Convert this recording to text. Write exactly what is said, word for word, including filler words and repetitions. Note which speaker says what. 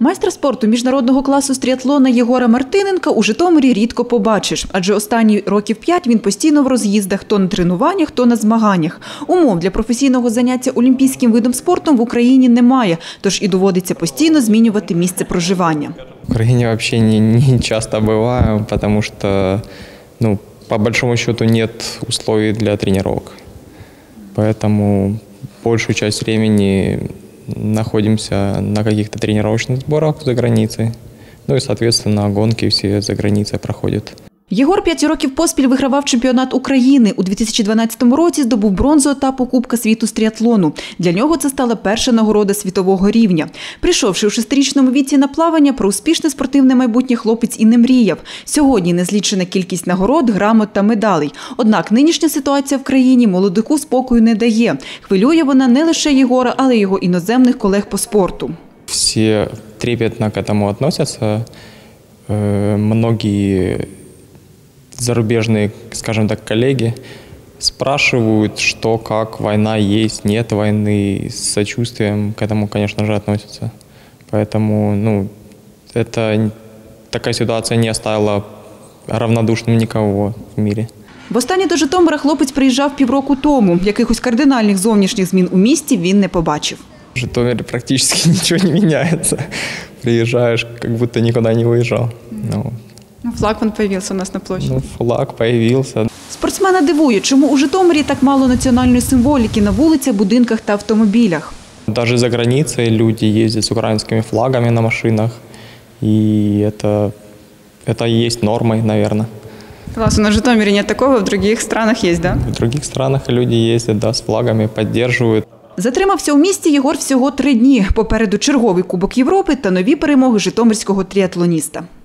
Speaker 1: Майстра спорту міжнародного класу з тріатлона Єгора Мартиненка у Житомирі рідко побачиш, адже останні років п'ять він постійно в роз'їздах, то на тренуваннях, то на змаганнях. Умов для професійного заняття олімпійським видом спорту в Україні немає, тож і доводиться постійно змінювати місце проживання.
Speaker 2: В Україні взагалі не, не часто буваю, тому що, ну, по большому счету нет условий для тренировок. Поэтому большую часть времени находимся на каких-то тренировочных сборах за границей. Ну и, соответственно, гонки все за границей проходят.
Speaker 1: Єгор п'ять років поспіль вигравав чемпіонат України. У дві тисячі дванадцятому році здобув бронзу етапу Кубка світу з тріатлону. Для нього це стала перша нагорода світового рівня. Прийшовши у шестирічному віці на плавання, про успішне спортивне майбутнє хлопець і не мріяв. Сьогодні незлічена кількість нагород, грамот та медалей. Однак нинішня ситуація в країні молодику спокою не дає. Хвилює вона не лише Єгора, але й його іноземних колег по спорту.
Speaker 2: Всі трепетно к этому относятся. Многие зарубежные, скажем так, коллеги спрашивают, что, как, война есть, нет войны, с сочувствием к этому, конечно же, относятся. Поэтому, ну, это, такая ситуация не оставила равнодушным никого в мире.
Speaker 1: Востаннє до Житомира хлопець приїжджав півроку тому. Якихось кардинальних зовнішніх змін у місті він не побачив.
Speaker 2: В Житомире практически ничего не меняется. Приезжаешь, как будто никуда не выезжал. Ну,
Speaker 1: Ну, флаг вон появився у нас на площі.
Speaker 2: Ну, флаг появився.
Speaker 1: Спортсмена дивує, чому у Житомирі так мало національної символіки на вулицях, будинках та автомобілях.
Speaker 2: Даже за границей люди ездят с украинскими флагами на машинах. И это, это и есть нормой, наверное.
Speaker 1: Класс, у нас в Житомире нет такого, в других странах есть, да?
Speaker 2: В других странах люди ездят, да, с флагами, поддерживают.
Speaker 1: Затримався у місті Єгор всього три дні. Попереду черговий Кубок Європи та нові перемоги житомирського тріатлоніста.